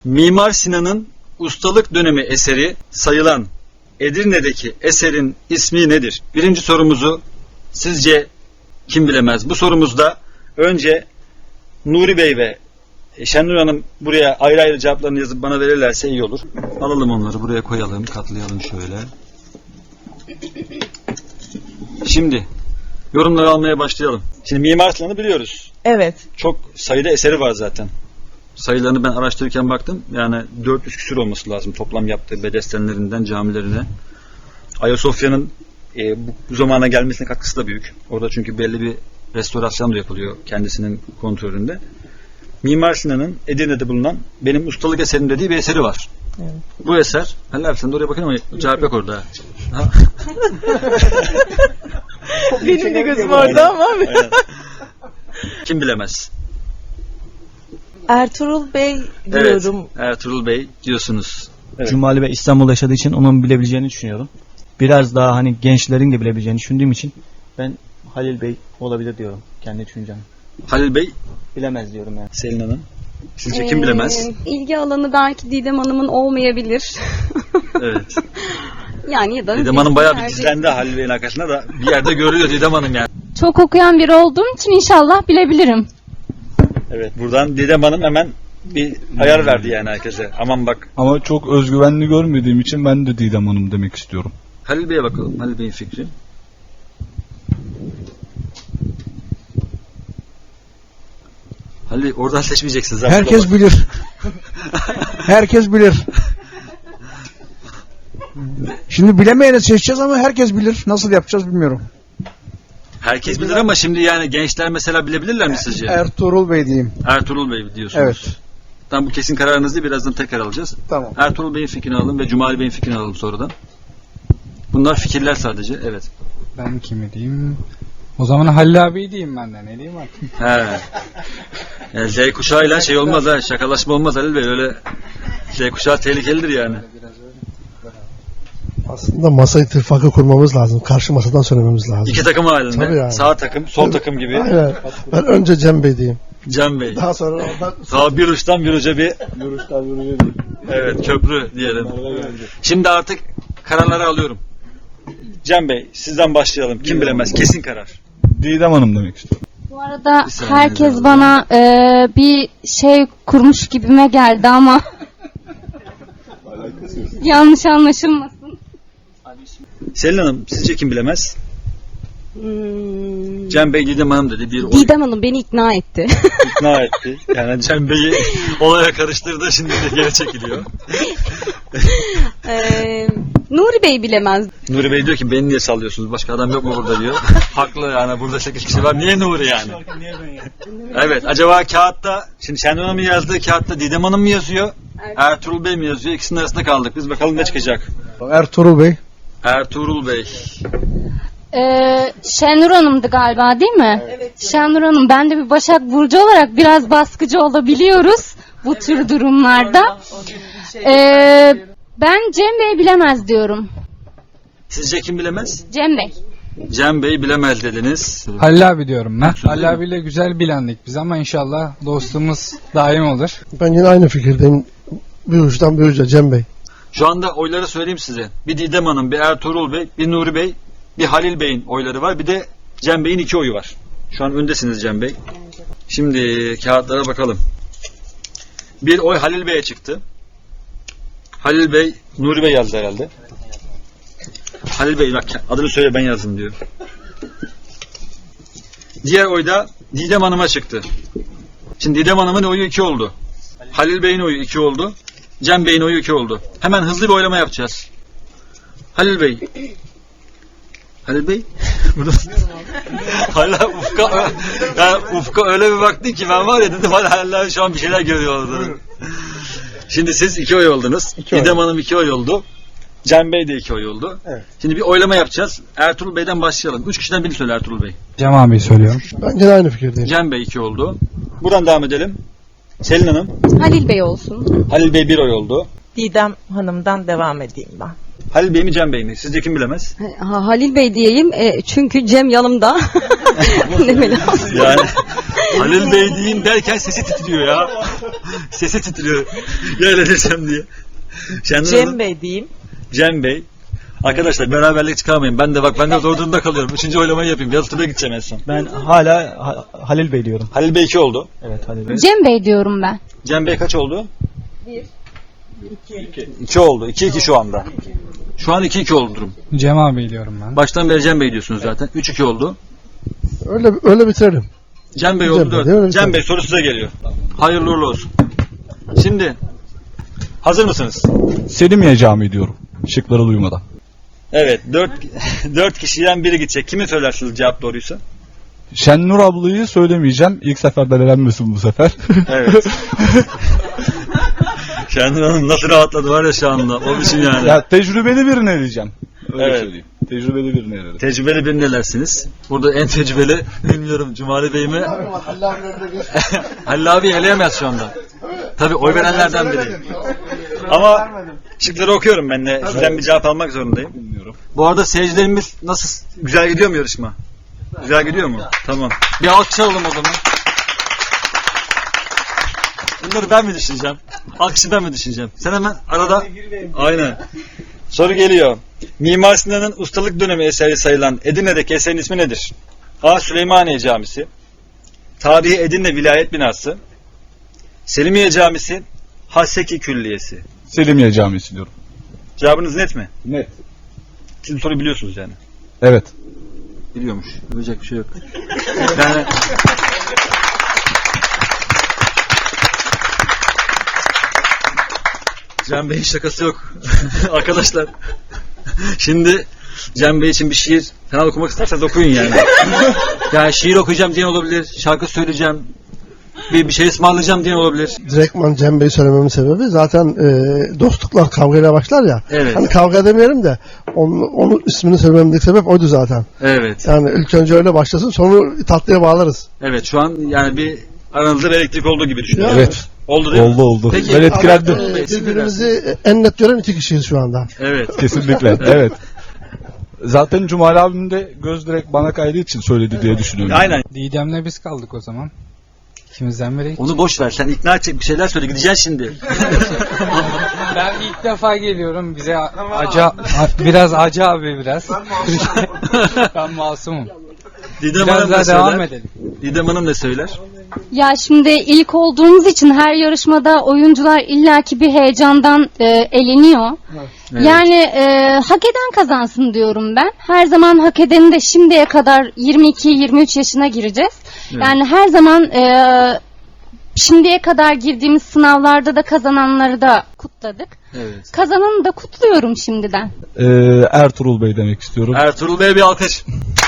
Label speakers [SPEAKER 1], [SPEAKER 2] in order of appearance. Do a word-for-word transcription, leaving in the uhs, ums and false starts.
[SPEAKER 1] Mimar Sinan'ın ustalık dönemi eseri sayılan Edirne'deki eserin ismi nedir? Birinci sorumuzu sizce kim bilemez? Bu sorumuzda önce Nuri Bey ve Şenur Hanım buraya ayrı ayrı cevaplarını yazıp bana verirlerse iyi olur. Alalım onları buraya koyalım, katlayalım şöyle. Şimdi yorumları almaya başlayalım. Şimdi Mimar Sinan'ı biliyoruz.
[SPEAKER 2] Evet.
[SPEAKER 1] Çok sayıda eseri var zaten. Sayılarını ben araştırırken baktım. Yani dört yüz küsur olması lazım toplam yaptığı bedestenlerinden camilerine. Ayasofya'nın e, bu, bu zamana gelmesine katkısı da büyük. Orada çünkü belli bir restorasyon da yapılıyor kendisinin kontrolünde. Mimar Sinan'ın Edirne'de bulunan benim ustalık eserim dediği bir eseri var.
[SPEAKER 2] Evet.
[SPEAKER 1] Bu eser, Halil abi sen de oraya bakın ama cevap yok orada.
[SPEAKER 2] Benim de gözüm orada ama.
[SPEAKER 1] Kim bilemez?
[SPEAKER 2] Ertuğrul Bey diyorum.
[SPEAKER 1] Evet, Ertuğrul Bey diyorsunuz. Evet.
[SPEAKER 3] Cumali Bey İstanbul'da yaşadığı için onun bilebileceğini düşünüyorum. Biraz daha hani gençlerin de bilebileceğini düşündüğüm için ben Halil Bey olabilir diyorum. Kendi düşüncem.
[SPEAKER 1] Halil Bey
[SPEAKER 3] Bilemez diyorum yani.
[SPEAKER 1] Selin Hanım. Sizce kim bilemez?
[SPEAKER 4] Ee, ilgi alanı belki Didem Hanım'ın olmayabilir.
[SPEAKER 1] Evet.
[SPEAKER 4] Yani ya da
[SPEAKER 1] Didem Hanım bayağı bir
[SPEAKER 4] yerde-
[SPEAKER 1] gizlendi Halil Bey'in arkasında da bir yerde görülüyor Didem Hanım yani.
[SPEAKER 5] Çok okuyan biri olduğum için inşallah bilebilirim.
[SPEAKER 1] Evet, buradan Didem Hanım hemen bir ayar verdi yani herkese. Aman bak.
[SPEAKER 6] Ama çok özgüvenli görmediğim için ben de Didem Hanım demek istiyorum.
[SPEAKER 1] Halil Bey'e bakalım. Halil Bey'in fikri. Halil Bey, oradan seçmeyeceksiniz.
[SPEAKER 7] Herkes bilir. Herkes bilir. Şimdi bilemeyeni seçeceğiz ama herkes bilir. Nasıl yapacağız bilmiyorum.
[SPEAKER 1] Herkes bilir ama şimdi yani gençler mesela bilebilirler mi sizce?
[SPEAKER 7] Ertuğrul Bey diyeyim.
[SPEAKER 1] Ertuğrul Bey diyorsunuz.
[SPEAKER 7] Evet.
[SPEAKER 1] Tamam, bu kesin kararınız değil. Birazdan tekrar alacağız.
[SPEAKER 7] Tamam.
[SPEAKER 1] Ertuğrul Bey'in fikrini alalım ve Cumali Bey'in fikrini alalım sonradan. Bunlar fikirler sadece. Evet.
[SPEAKER 8] Ben kimi diyeyim? O zaman Halil abi diyeyim ben de. Ne diyeyim artık?
[SPEAKER 1] He. Yani Z kuşağıyla şey olmaz ha. Şakalaşma olmaz Halil Bey. Öyle Z kuşağı tehlikelidir yani.
[SPEAKER 9] Aslında masa ittifakı kurmamız lazım. Karşı masadan söylememiz lazım.
[SPEAKER 1] İki takım halinde.
[SPEAKER 9] Tabii yani.
[SPEAKER 1] Sağ takım, sol
[SPEAKER 9] Evet.
[SPEAKER 1] takım gibi.
[SPEAKER 9] Aynen. Ben önce Cem Bey diyeyim.
[SPEAKER 1] Cem Bey.
[SPEAKER 9] Daha sonra oradan...
[SPEAKER 1] Sağ bir uçtan bir uca bir
[SPEAKER 6] Bir uçtan bir uca değil.
[SPEAKER 1] evet köprü diyelim. Şimdi artık kararları alıyorum. Cem Bey sizden başlayalım. Kim bilemez? Kesin karar.
[SPEAKER 6] Didem Hanım demek istiyorum.
[SPEAKER 5] Bu arada
[SPEAKER 1] Bir saniye
[SPEAKER 5] herkes
[SPEAKER 1] daha.
[SPEAKER 5] bana e, bir şey kurmuş gibime geldi ama yanlış anlaşılmasın.
[SPEAKER 1] Selin Hanım sizce kim bilemez?
[SPEAKER 4] Hmm,
[SPEAKER 1] Cem Bey Didem Hanım dedi. Bir oy
[SPEAKER 4] Didem Hanım beni ikna etti.
[SPEAKER 1] ikna etti. Yani Cem Bey'i olaya karıştırdı. Şimdi de geri çekiliyor.
[SPEAKER 4] ee, Nuri Bey bilemez.
[SPEAKER 1] Nuri Bey diyor ki beni niye sallıyorsunuz? Başka adam yok mu burada diyor. Haklı yani, burada sekiz kişi var. Niye Nuri yani? Evet, acaba kağıtta şimdi Şenol Hanım'ın yazdığı kağıtta Didem Hanım mı yazıyor? Ertuğrul Bey mi yazıyor? İkisinin arasında kaldık. Biz bakalım ne çıkacak.
[SPEAKER 7] Ertuğrul Bey.
[SPEAKER 1] Ertuğrul Bey.
[SPEAKER 5] E, Şenur Hanım'dı galiba değil mi? Evet. Şenur Hanım, ben de bir Başak Burcu olarak biraz baskıcı olabiliyoruz bu tür durumlarda. E, ben Cem Bey bilemez diyorum.
[SPEAKER 1] Sizce kim bilemez?
[SPEAKER 5] Cem Bey.
[SPEAKER 1] Cem Bey bilemez dediniz.
[SPEAKER 8] Halil abi diyorum ben. Halil abiyle güzel bilendik biz ama inşallah dostluğumuz daim olur.
[SPEAKER 9] Ben yine aynı fikirdeyim. Bir uçtan bir uca Cem Bey.
[SPEAKER 1] Şu anda oyları söyleyeyim size. Bir Didem Hanım, bir Ertuğrul Bey, bir Nuri Bey, bir Halil Bey'in oyları var. Bir de Cem Bey'in iki oyu var. Şu an öndesiniz Cem Bey. Şimdi kağıtlara bakalım. Bir oy Halil Bey'e çıktı. Halil Bey, Nuri Bey yazdı herhalde. Halil Bey bak adını söyle ben yazdım diyor. Diğer oy da Didem Hanım'a çıktı. Şimdi Didem Hanım'ın oyu iki oldu. Halil Bey'in oyu iki oldu. Cem Bey'in oyu iki oldu. Hemen hızlı bir oylama yapacağız. Halil Bey. Halil Bey. Hala Ufka, yani Ufka öyle bir baktı ki ben var ya dedim hala şu an bir şeyler görüyor orada. Şimdi siz iki oy oldunuz.
[SPEAKER 9] İki oy.
[SPEAKER 1] Didem Hanım iki oy oldu. Cem Bey de iki oy oldu.
[SPEAKER 9] Evet.
[SPEAKER 1] Şimdi bir oylama yapacağız. Ertuğrul Bey'den başlayalım. Üç kişiden birini söyle Ertuğrul Bey.
[SPEAKER 8] Cem abi söylüyorum.
[SPEAKER 9] Ben yine aynı fikirdeyim.
[SPEAKER 1] Cem Bey iki oldu. Buradan devam edelim. Selin Hanım.
[SPEAKER 4] Halil Bey olsun.
[SPEAKER 1] Halil Bey bir oy oldu.
[SPEAKER 2] Didem Hanım'dan devam edeyim ben.
[SPEAKER 1] Halil Bey mi Cem Bey mi? Sizce kim bilemez?
[SPEAKER 4] Ha, Halil Bey diyeyim e, çünkü Cem yanımda. Demeli.
[SPEAKER 1] Yani Halil Bey diyeyim derken sesi titriyor ya. Sesi titriyor. Ya öyle desem diye. Şenur
[SPEAKER 2] Cem
[SPEAKER 1] Hanım,
[SPEAKER 2] Bey diyeyim.
[SPEAKER 1] Cem Bey. Arkadaşlar beraberlik çıkarmayın. Ben de bak ben de zor durumda kalıyorum. Üçüncü oylamayı yapayım. Yalıtım'a gideceğim en son.
[SPEAKER 3] Ben hala Ha- Halil Bey diyorum.
[SPEAKER 1] Halil Bey iki oldu.
[SPEAKER 3] Evet Halil Bey.
[SPEAKER 5] Cem Bey diyorum ben.
[SPEAKER 1] Cem Bey kaç oldu? Bir. İki. İki oldu. İki iki şu anda. Şu an iki iki oldu durum.
[SPEAKER 8] Cem abi diyorum ben.
[SPEAKER 1] Baştan beri Cem Bey diyorsunuz zaten. Üç iki oldu.
[SPEAKER 9] Öyle öyle bitirelim.
[SPEAKER 1] Cem Bey
[SPEAKER 9] Cem
[SPEAKER 1] oldu
[SPEAKER 9] Bey,
[SPEAKER 1] dört.
[SPEAKER 9] değil mi?
[SPEAKER 1] Cem Bey soru size geliyor. Hayırlı uğurlu olsun. Şimdi hazır mısınız?
[SPEAKER 6] Selimiye Camii diyorum. Şıkları duymadan.
[SPEAKER 1] Evet. Dört, dört kişiden biri gidecek. Kimi söylersiniz cevap doğruysa?
[SPEAKER 6] Şennur ablayı söylemeyeceğim. İlk seferden elenmesin bu sefer.
[SPEAKER 1] Evet. Şenur Hanım nasıl rahatladı var ya şu anda. O biçim yani.
[SPEAKER 6] Ya tecrübeli birine diyeceğim. Öyle
[SPEAKER 1] Evet.
[SPEAKER 6] söyleyeyim. Tecrübeli birine elerim.
[SPEAKER 1] Tecrübeli bir nelersiniz? Burada en tecrübeli bilmiyorum Cumali Bey mi? Halil abi eleyemez şu anda. Tabii oy verenlerden biri. Ama şıkları okuyorum ben de. Sizden bir cevap almak zorundayım.
[SPEAKER 6] Bilmiyorum.
[SPEAKER 1] Bu arada seyircilerimiz nasıl? Güzel gidiyor mu yarışma? Güzel gidiyor mu? Tamam. Bir alkış alalım o zaman. Bunları ben mi düşüneceğim? Alkışı ben mi düşüneceğim? Sen hemen arada... Aynen. Soru geliyor. Mimar Sinan'ın ustalık dönemi eseri sayılan Edirne'deki eserin ismi nedir? A. Süleymaniye Camisi, Tarihi Edirne Vilayet Binası, Selimiye Camisi, Haseki Külliyesi.
[SPEAKER 6] Selimiye Camisi diyorum.
[SPEAKER 1] Cevabınız net mi?
[SPEAKER 6] Net.
[SPEAKER 1] Siz soruyu biliyorsunuz yani.
[SPEAKER 6] Evet.
[SPEAKER 1] Biliyormuş. Yapacak bir şey yok. Yani... Cem Bey'in şakası yok. Arkadaşlar. Şimdi Cem Bey için bir şiir falan okumak isterseniz okuyun yani. Yani şiir okuyacağım diyen olabilir. Şarkı söyleyeceğim. Bir, bir şey ısmarlayacağım diyen olabilir.
[SPEAKER 9] Direktman Cem Bey söylememin sebebi zaten e, dostluklar kavgayla başlar ya.
[SPEAKER 1] Evet.
[SPEAKER 9] Hani kavga demeyelim de onun, onun ismini söylememdeki sebep oydu zaten.
[SPEAKER 1] Evet.
[SPEAKER 9] Yani ilk önce öyle başlasın sonra tatlıya bağlarız.
[SPEAKER 1] Evet şu an yani bir aranızda bir elektrik olduğu gibi düşünüyorum.
[SPEAKER 6] Evet.
[SPEAKER 1] Oldu değil mi?
[SPEAKER 6] Oldu oldu.
[SPEAKER 1] Peki,
[SPEAKER 6] Ben etkilendim.
[SPEAKER 9] Ama, e, birbirimizi en net gören iki kişiyiz şu anda.
[SPEAKER 1] Evet.
[SPEAKER 6] Kesinlikle. Evet. Zaten Cumali abim de göz direkt bana kaydığı için söyledi diye düşünüyorum.
[SPEAKER 1] Aynen.
[SPEAKER 8] Didem'le biz kaldık o zaman. İkimizden biri.
[SPEAKER 1] Onu boş ver. Sen ikna edecek bir şeyler söyle. Gideceksin şimdi.
[SPEAKER 8] Ben ilk defa geliyorum. Bize a- acı, a- biraz acı abi biraz. Ben masumum.
[SPEAKER 1] Didem
[SPEAKER 8] Biraz
[SPEAKER 1] Hanım
[SPEAKER 8] daha
[SPEAKER 1] ne
[SPEAKER 8] devam
[SPEAKER 1] söyler?
[SPEAKER 8] edelim.
[SPEAKER 1] Didem Hanım ne söyler?
[SPEAKER 5] Ya şimdi ilk olduğumuz için her yarışmada oyuncular illaki bir heyecandan e, eleniyor.
[SPEAKER 1] Evet.
[SPEAKER 5] Yani e, hak eden kazansın diyorum ben. Her zaman hak edeni de şimdiye kadar yirmi iki yirmi üç yaşına gireceğiz.
[SPEAKER 1] Evet.
[SPEAKER 5] Yani her zaman e, şimdiye kadar girdiğimiz sınavlarda da kazananları da kutladık.
[SPEAKER 1] Evet.
[SPEAKER 5] Kazananı da kutluyorum şimdiden.
[SPEAKER 6] Ee, Ertuğrul Bey demek istiyorum.
[SPEAKER 1] Ertuğrul Bey'e bir alkış.